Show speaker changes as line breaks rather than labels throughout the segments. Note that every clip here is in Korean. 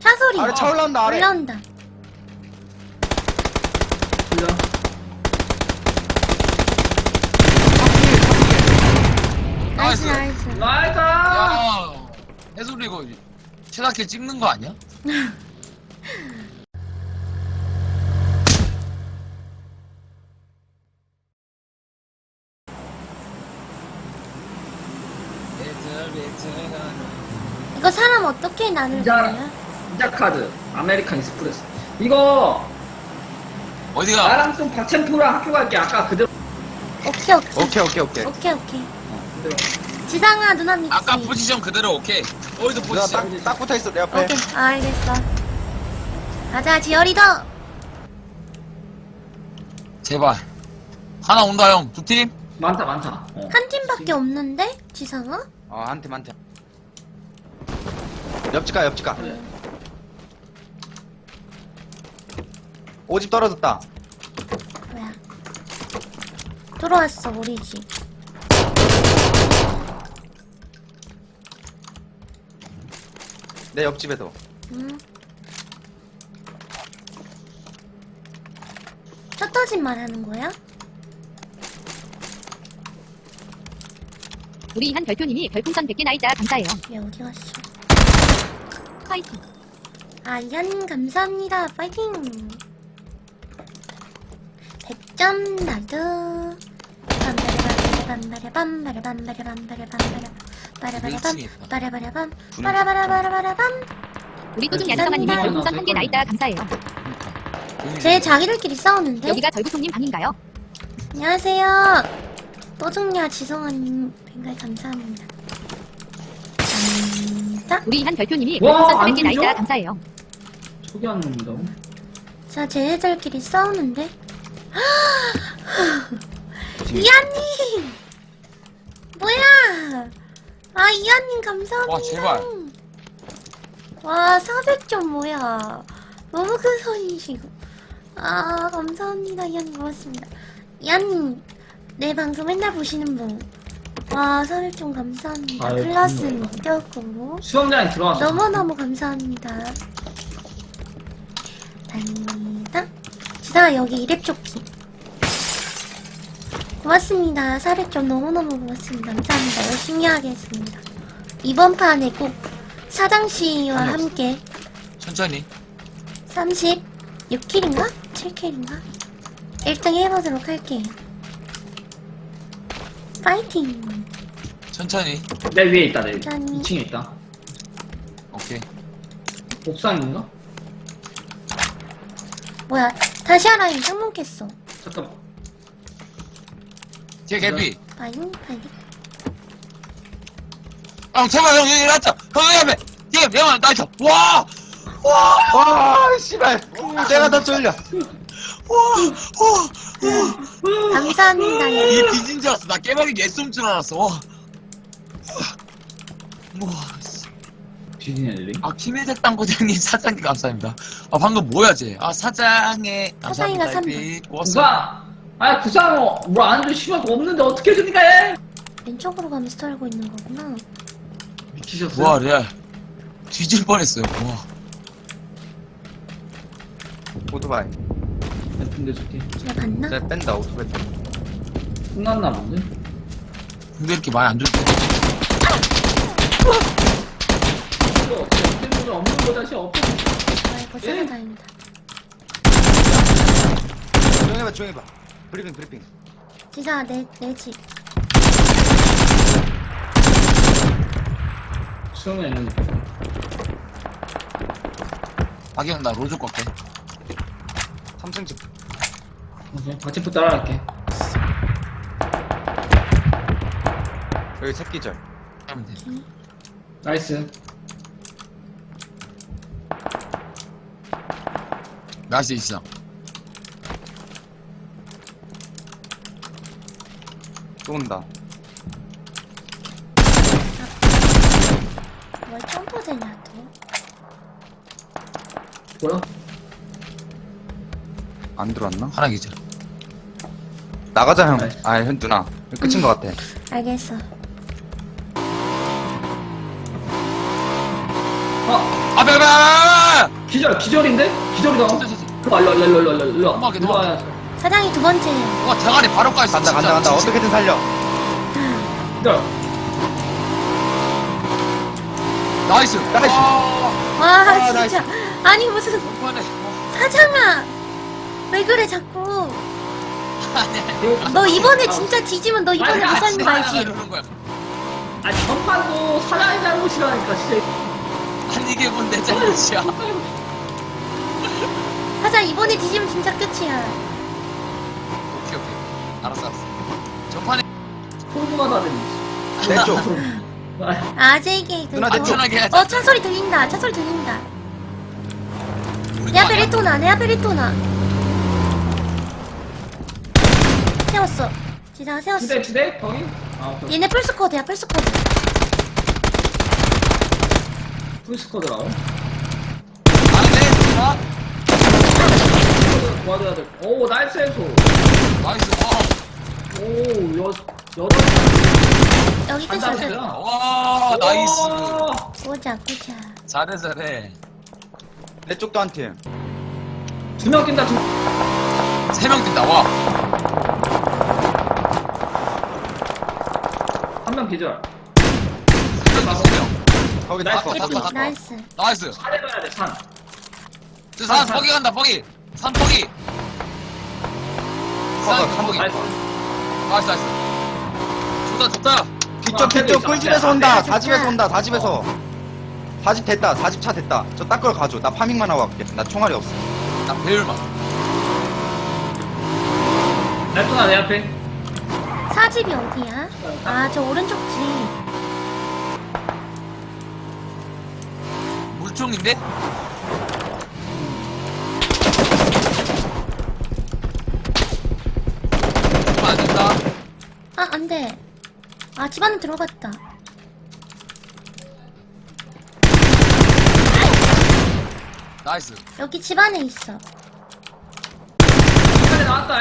차 소리.
아래 차 올라온다 아래.
올라온다.
불러.
나이스,
나이스.
나이스.
나이스!
야, 해솔이 이거 최다킬 찍는 거 아니야?
이거 사람 어떻게 나눌 거야?
이자 카드. 아메리칸 익스프레스. 이거
어디가?
나랑 좀 박챔프랑 학교 갈게. 아까 그대로.
오케이, 오케이.
오케이.
오케이, 오케이.
그대로.
지상아, 누나 믿지?
아까 포지션 그대로 오케이. 어디서
누나
포지션?
딱 붙어있어 내 앞에.
오케이, 알겠어. 가자, 지열이도!
제발. 하나 온다 형. 두 팀?
많다.
한 팀밖에 없는데? 지상아?
한 팀. 옆집 가.
그래.
오집 떨어졌다.
뭐야. 들어왔어, 우리 집.
내 옆집에도.
응. 셔터집 말하는 거야?
우리 한 별표님이 별풍선 100개 나있다 감사해요.
얘 어디 갔어?
파이팅.
아, 이한 감사합니다. 파이팅! 100점 나도. 빠라바라밤 빠라바라밤.
우리 또중
감사합니다.
야스가마님이 별풍선 1개 나있다 감사해요.
쟤 자기들끼리 싸우는데?
여기가 절구송님 방인가요?
안녕하세요. 또중야 지성아님 뱅갈 감사합니다. 감사합니다.
우리 한 별표님이
와,
별풍선
안
400개 나있다
들려?
감사해요.
초기 안 놈이다.
자, 쟤네들끼리 싸우는데? 이한님! 뭐야! 아, 이한님 감사합니다.
와, 제발.
와, 400점 뭐야. 너무 큰 손이시고. 아, 감사합니다. 이한님 고맙습니다. 이한님, 내 방송 맨날 보시는 분. 와, 400점 감사합니다.
아유,
클라스
고마워요.
껴고.
수영장에 들어왔어.
너무너무 감사합니다. 다행입니다. 지상아, 여기 이랩 조끼. 고맙습니다. 400점 너무너무 고맙습니다. 감사합니다. 열심히 하겠습니다. 이번 판에 꼭 사장씨와
아니, 없어.
함께
천천히.
36킬인가? 7킬인가? 1등 해보도록 할게요. 파이팅!
천천히.
내 위에 있다. 내
짠.
2층에 있다.
오케이.
옥상인가?
뭐야, 다시아 라인 창문 깼어.
잠깐만.
뒤에 개피.
파이팅, 파이팅.
형 제발 형 여기 나왔다. 형 여기 앞에. 뒤에 형아 나왔다. 와.
와 씨발. 내가 더 쫄려.
감사합니다.
이
예.
뒤진 줄 알았어. 나 깨박이 예쏨 줄 알았어. 와. 와.
뒤진 애들이.
아 김혜택 당구장님 사장님 감사합니다. 아 방금 뭐야 쟤? 아 사장의
사장이가
감사합니다.
삼
햇빛. 고맙습니다.
구상! 구상 뭐안 줘. 시간 없는데 어떻게 해주니까 해?
왼쪽으로 가면서 털고 있는 거구나.
미치셨어요?
와 레알 뒤질 뻔했어요. 와.
오토바이.
근데 저기
쟤 봤나?
쟤 뺀다 오토바이.
끝났나 본데?
근데 이렇게 많이 안 좋대.
이거 템들 없는 거 다시 없어.
아이고, 쓰는 다행이다.
조용히 해봐. 브리핑.
지사, 내 집.
수영에 있는
박영 나 로조 꺾게.
3층 집.
오케이. 박치프 따라갈게.
여기 새끼절.
하면 돼.
나이스.
나이스 있어.
쏜다.
뭘 점프되냐, 또?
뭐야?
안 들어왔나?
하나 기절.
나가자 형.
나이스.
형 누나. 끝인 것 같아.
알겠어.
어!
아,
기절인데? 기절이다.
진짜, 진짜.
일로 와.
엄마게
일로 와.
사장이 두 번째예요.
와 대가리 바로 까있어.
간다.
진짜.
어떻게든 살려.
기절.
나이스.
나이스.
와
나이스.
진짜. 아니 무슨
오빠네.
사장아. 왜 그래 자꾸.
아니.
너 이번에 진짜 뒤지면 너 이번에 못 사는 거 알지?
이러는 거야.
아니 전판도 사장의 잘못이라니까 진짜.
아니 이게 뭔데 잘못이야.
사장 이번에 뒤지면 진짜 끝이야.
오케이. 알았어. 전판에
궁금하다
내 쪽.
아재게 그.
누나, 내 쪽.
안전하게 해야지.
차 소리 들린다. 차 소리 들린다. 내 앞에 레토나. 내 앞에 레토나. 세웠어. 지사가 세웠어.
지대 거기? 아 오케이.
얘네 풀스쿼드야 풀스쿼드.
풀스쿼드라고?
안돼. 좋아.
도와줘야 돼. 오 나이스 해소.
나이스.
오
여기 끝이야.
와 나이스.
보자.
잘해.
내 쪽도 한 팀.
2명 뛴다.
3명 뛴다. 와.
1명 기절.
3명.
거기
나이스.
다 거.
나이스.
나이스.
산에 가야 돼 산.
산 뻐기 간다. 뻐기. 산 뻐기. 산 뻐기.
나이스.
나이스. 좋다.
뒤쪽 꿀집에서 온다.
앞에
4집에서 온다. 4집에서. 4집 됐다. 4집 차 됐다. 저 딱 걸 가져. 나 파밍만 하고 갈게. 나 총알이 없어.
나 배율만.
랩토나 내 앞에.
사집이 어디야? 아 저 오른쪽 집.
물총인데? 안 된다.
아 안돼. 아 집 안에 들어갔다.
나이스.
여기 집 안에 있어.
산에 나왔다.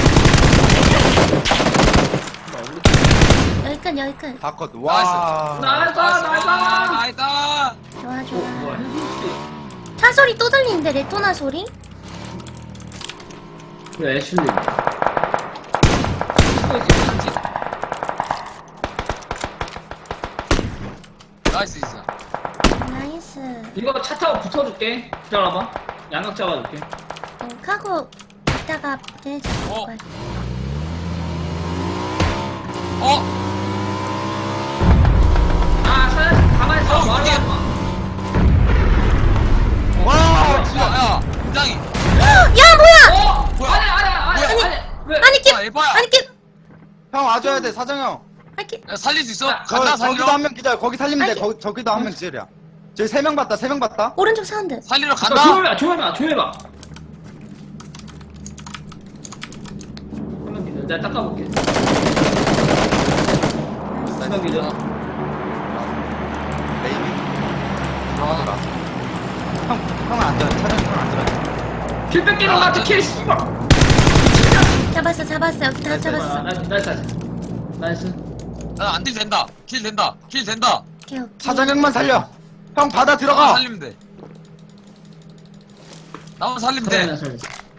여기 끝.
다 컷. 와.
나이스.
나이스.
좋아.
뭐야?
차 소리 또 들리는데 레토나 소리?
그래 애슐리.
나이스 있어.
나이스.
이거 차 타고 붙어줄게. 기다려봐. 양각 잡아줄게.
하고 이따가 얘네 잡을
어.
거야.
아 사장님 가만히 있어.
어,
말하지
이게-
마.
와, 진짜.
야, 부장이.
야 뭐야?
뭐야?
아니. 왜?
아니 끼.
아, 에바야.
아니 끼.
형 와줘야 돼, 사장 형.
아니 끼.
야, 살릴 수 있어?
저,
간다
저기도
살리러.
한 명 기절. 거기 살리면 돼.
아니,
저기도 한 명 기절이야. 저기 3명 봤다. 3명 봤다.
오른쪽 사운드.
살리러 간다.
조용해봐. 한명 기절. 내가 닦아볼게. 한명 기절.
메이비. 들어가더라. 형은 안 들어. 사장님 형은 안 들어.
킬 뺏기는 거 같아. 킬 씨발.
잡았어. 여기 다 잡았어.
나이스.
나안 딜 된다. 킬 된다.
오케이.
사장 형만 살려. 형 바다
나만
들어가.
살리면 돼. 나만 살리면 돼.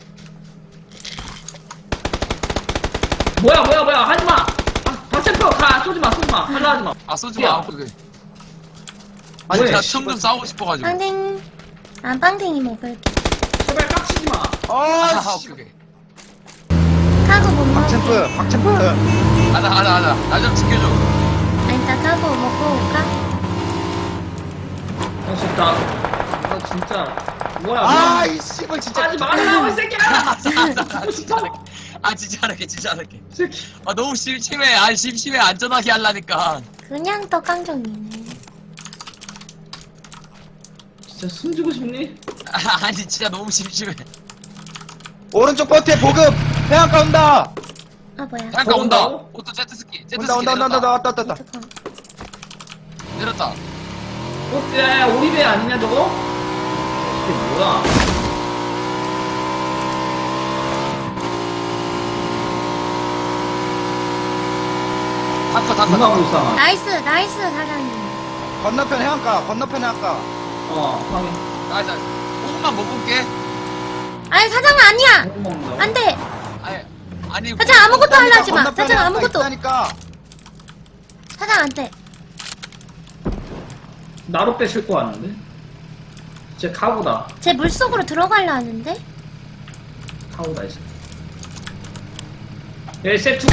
뭐야 하지마. 박챔프 가 쏘지마 할라 하지마.
아 쏘지
야.
마. 그래.
아니,
뭐해?
나 총 좀 싸우고 싶어가지고.
빵댕. 난 빵댕이 먹을게.
제발 깍치지마.
아,
씨.
오케이.
카고 못 먹을게.
박챔프.
가자. 나 좀 지켜줘.
아니 나 카고 먹고 올까?
좋다. 너 진짜 뭐야?
아, 이 씨발 진짜.
하지 말라고 이 새끼야.
진짜 할게.
새끼.
아 너무 심심해. 심심해. 안전하게 하려니까.
그냥 떡강정이네.
진짜 숨지고 싶니?
아니 진짜 너무 심심해.
오른쪽 버티에 보급. 해안가 온다.
아 뭐야?
잠깐 온다.
온다고?
오또 제트스키
온다.
내렸다.
왔다.
잠깐.
내렸다.
야 오리배 아니냐 저거? 이게 뭐야?
탔어.
누가 불쌍하?
나이스 사장님.
건너편 해안가.
확인.
나이스. 조금만 먹을게.
아니 사장은 아니야.
못 먹는다고?
안돼.
아니
사장 아무것도 하려 하지 마.
건너편에
사장
하나
아무것도.
있다니까.
사장 안돼.
나로 빼실 거 같는데? 진짜 카고다.
제 물속으로 들어가려 하는데.
카고다 이제. 여기 세트고.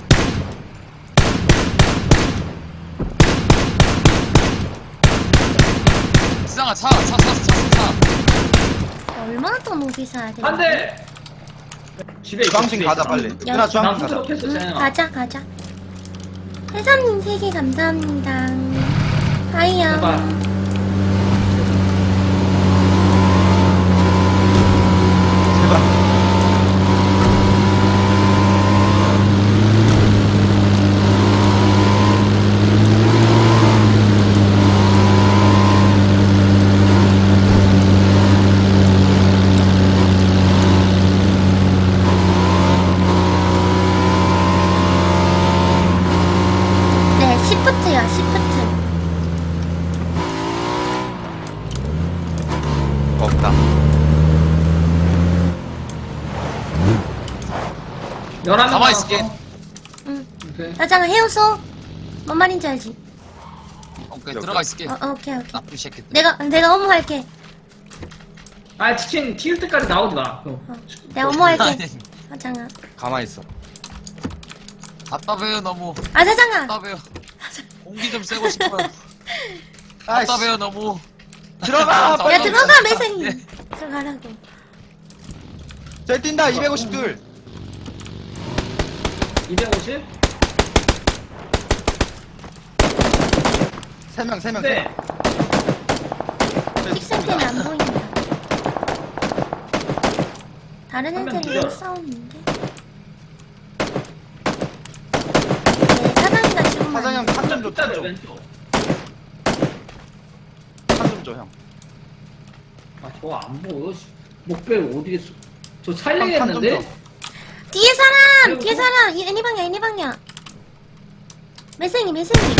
지상아 차.
얼마나 더 높이 사야 돼?
안 돼! 집에 있어,
주황신
집에
가자
있어.
빨리.
야,
누나 주황신
나
가자.
후드로
응,
켰어,
가자. 회사님 3개 감사합니다. 하이요.
제발.
제발.
네, 시프트야, 시프트.
없다.
11명
가만히 있을게.
응.
오케이.
사장 헤어서. 뭔 말인지 알지?
오케이 들어가 있을게.
오케이.
나쁜 새끼들.
내가 업무할게.
아, 치킨 튀길 때까지 나오지 마.
내가 업무할게.
아니,
사장아.
가만히 있어.
답답해요 너무.
아, 사장아.
답답해요. 공기 좀 쐬고 싶어요.
아이씨.
답답해요 너무.
들어가!
야, 들어가,
네.
매생이. 들어가라고.
저기 뛴다 252둘.
250?
3명.
네.
픽셀 때문에 안 보인다. 다른
한명
애들이랑
기절.
싸우는데. 네, 사장이가 지금
사장 형 탄 좀 줘. 탄 좀.
왼쪽.
탄 좀 줘 형.
아, 저거 안 보여. 씨. 목벨 어디 있어? 저
탄 좀
살리겠는데?
줘.
뒤에 사람!
아이고.
뒤에 사람! 애니방이야. 매생이.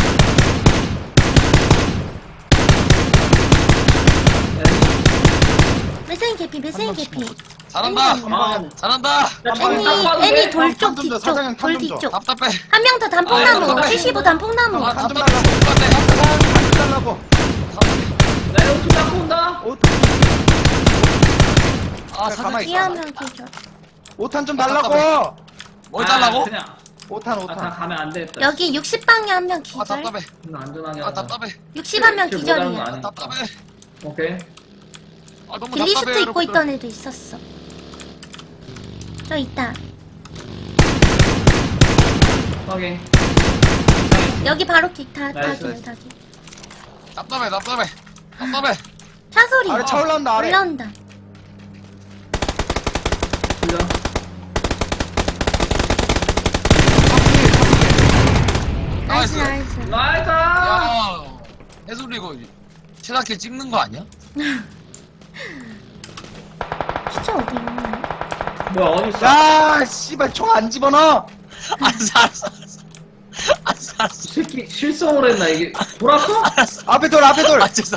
매생이 개피.
잘한다.
아,
잘한다.
애니 돌쪽
탄좀 줘,
뒤쪽.
사장님 탄
돌
좀 줘.
뒤쪽.
답답해.
한 명 더 단풍나무.
아이고,
75 단풍나무.
아,
탄좀
답답해.
달라고.
답답해.
탄좀 달라고.
나 여기 닦고 온다.
아
가만히
사장.
뒤에 한 명 기절.
5탄 좀 달라고.
뭘 달라고?
그냥.
5탄
다
5탄.
가면 안 되겠다.
여기 60방에 한 명
아
기절.
답답해.
좀 안전하게
아
하자.
답답해.
60한 명
킬 못하는 거
기절이야.
아니야.
답답해.
오케이.
아 너무
길리슈트
답답해요
입고
여러분들.
있던 애도 있었어. 저 있다.
확인.
여기 바로 다
나이스,
닭이야.
답답해.
차 소리.
아래 차 올라온다 아래.
올라온다.
불려.
나이스.
나이스!
야 해솔이 이거 최다킬 찍는 거 아니야?
진짜 어디 있나?
뭐야, 어딨어?
야 씨발 총 안 집어넣어.
알았어.
이 새끼 실성을 했나, 이게. 돌았어?
앞에 돌.
죄송.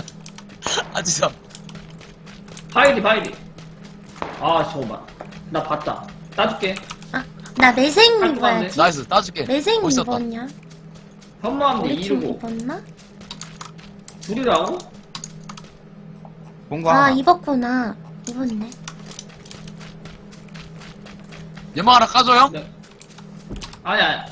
바이디. 아, 저거 봐. 나 봤다. 따줄게.
아, 나 매생
할 거야,
입어야지.
나이스 따줄게.
매생
멋있었다.
입었냐?
현무암대
우리 팀
2르고.
입었나?
둘이라고?
뭔가
아,
하나.
입었구나. 입었네.
연막 하나 까줘 형?
네. 아니야.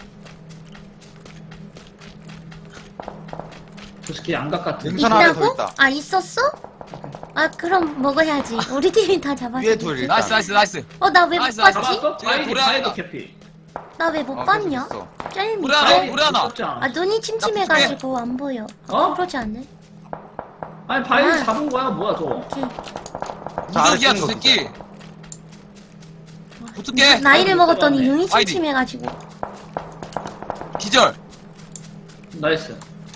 저 새끼 양각 같은.
능선 아래 더
있다고?
있다.
아, 있었어? 아, 그럼 먹어야지. 우리 팀이 다 잡았어.
위에 둘 일단.
나이스.
나 왜 못
나이스, 나이스.
봤지?
잡았어?
제가
바이디,
노래
바이디
하나.
캐피.
나 왜 못
계속
봤냐?
있어.
짤미.
우리 하나.
바이디
우리 하나.
무섭지 않아.
아, 눈이 침침해가지고 안 보여.
어?
그러지 않네?
아니, 바이디
아.
잡은 거야, 뭐야, 저거.
오케이.
자, 아래
무적이야
찍는
저
거
새끼. 붙을게.
나이를 먹었더니
들어갔네.
눈이
아이디.
침침해가지고.
기절.
나이스.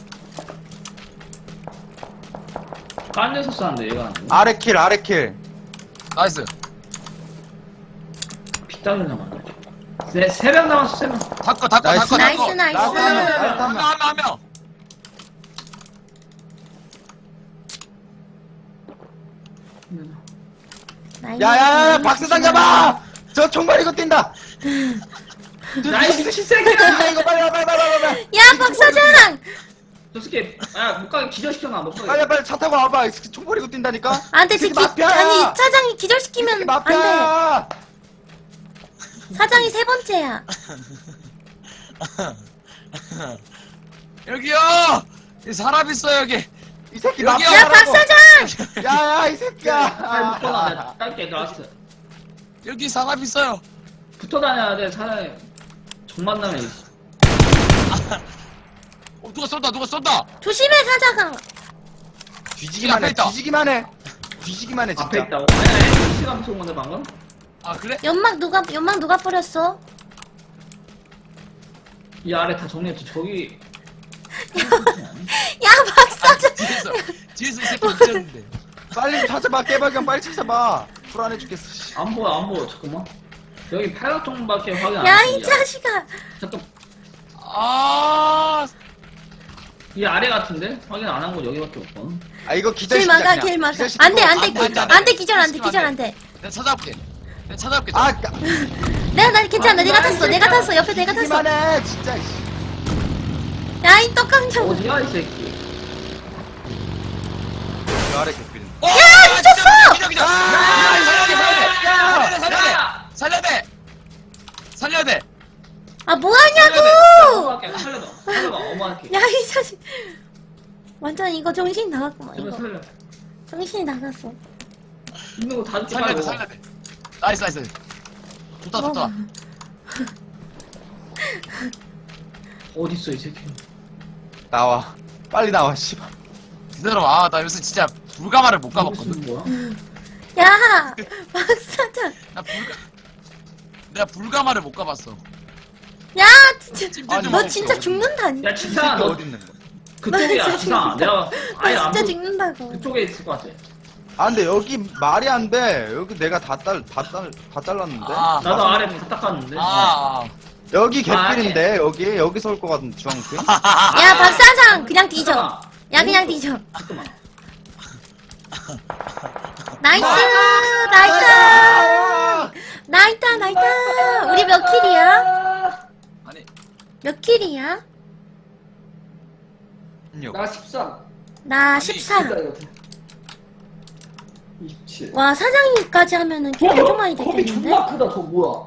딴 데서 쐈는데, 얘가 안 돼.
아래 킬.
나이스.
빗장을 남았네. 세 명 남았어, 3명.
닦어.
나이스.
나이스.
한 명.
야야야 박사장 잡아! 저 총발 이거 뛴다!
나이스 새끼야!
이거 빨리
야 박사장!
저 새끼 못 가게 기절시켜놔 못 가게.
빨리 차 타고 와봐. 총 버리고 뛴다니까?
안돼
이 새끼
지금
마피아야!
아니 사장이
이
기절시키면
새끼
안돼.
마피아야!
사장이 세 번째야.
여기요! 이 사람 있어 여기.
이 새끼
여기요!
야
마피아라고!
박사장!
야야 이 새끼야!
잘 묶어놔 내가 딸게 라스트.
여기 사람 있어요.
붙어 다녀야 돼 사람이. 정 만나면
누가 쏜다 누가 쏜다.
조심해 사장아.
뒤지기만
앞에
해.
있다.
뒤지기만 해. 뒤지기만 해
앞에
진짜.
있다고. 아니 시간 무서운 건데 방금.
아 그래?
연막 누가 뿌렸어?
이 아래 다 정리했지 저기.
야 박사장!
뒤에서 이 새끼 미쳤는데.
빨리 좀 찾아봐. 깨발견 빨리 찾아봐. 불안해 죽겠어. 씨.
안 보여 잠깐만. 여기 팔각정밖에 확인 안
야
했어.
이 자식아!
잠깐
아
이 아래 같은데 확인 안 한 거 여기밖에 없거든.
아 이거
길
기절시키자
막아
그냥.
길 막아.
기절시키고
안돼
안 돼,
안돼
안 돼.
안돼 기절 안돼 기절 안돼.
내가 찾아볼게. 내가 찾아볼게.
아
나 괜찮아 내가 탔어 내가 탔어 옆에 내가 탔어.
뒤지기만 해 진짜.
야 이 떡강정.
어디야 이 새끼.
저 아래 개필.
야
미쳤어!
기절 기절. 살려야 돼. 살려야 돼.
아 뭐하냐고!
살려봐 어머니께.
야 이 자식. 완전 이거 정신 나갔구만
제발
이거.
살려.
정신이 나갔어.
있는 거 다 죽지
살려야 돼.
말고.
살려야 돼. 나이스. 좋다 좋다.
어딨어 이 새끼.
나와. 빨리 나와 씨발.
기다려봐. 나 요새 진짜 불가마를 못 가봤거든.
무슨 뭐야?
야 박사장.
내가 불가마를 못 가봤어.
야 진짜
찜질도
너
먹고.
진짜 죽는다니.
야
이
지사
새끼
너
어디 있는 거야?
그쪽이야
진짜
지사.
진짜.
내가 아예
너
안
진짜
보.
죽는다고.
그쪽에 있을 것 같아.
아 근데 여기 말이 안 돼. 여기 내가 다 잘랐는데.
나도 아래 다 닦았는데.
여기 개필인데 여기서 올 것 같은 주황색.
야 박사장 그냥 뒤져.
잠깐만.
야 그냥 뒤져.
잠깐만.
나이스 나이스 우리 몇 킬이야?
아니
몇 킬이야?
나 13.
나
아니,
14.
27.
와 사장님까지 하면은 킬 엄청 많이
거미
됐겠는데?
존나 크다 저 뭐야?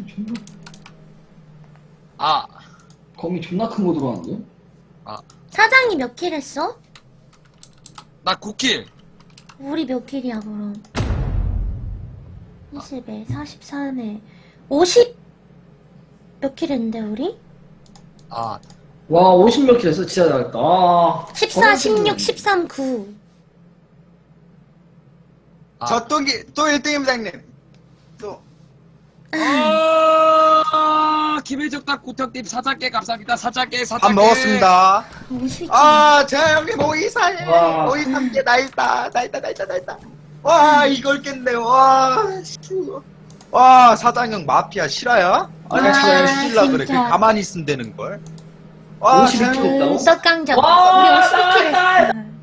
아
거미 존나 큰 거 들어왔는데?
사장이 몇 킬 했어?
나 9킬.
우리 몇 킬이야 그럼? 20에 43에 50 몇 킬 했는데 우리?
아
와 50몇 킬 했어 진짜 잘했다.
14, 16, 13, 9
아.
저 또 1등입니다 형님. 또
김혜적닭 구턱님 사장께 감사합니다. 사장께
밥 먹었습니다.
50킬
아, 제 형님 523개,
와.
523개 나 있다. 와, 이걸 깼네. 와, 사장형 마피아 실화야? 아니,
와,
자꾸 시질라 그래.
진짜.
그냥 가만히 있으면 되는 걸. 와,
52
제
킬 했다고?
떡강정
와,
우리 50킬
나이스.
했어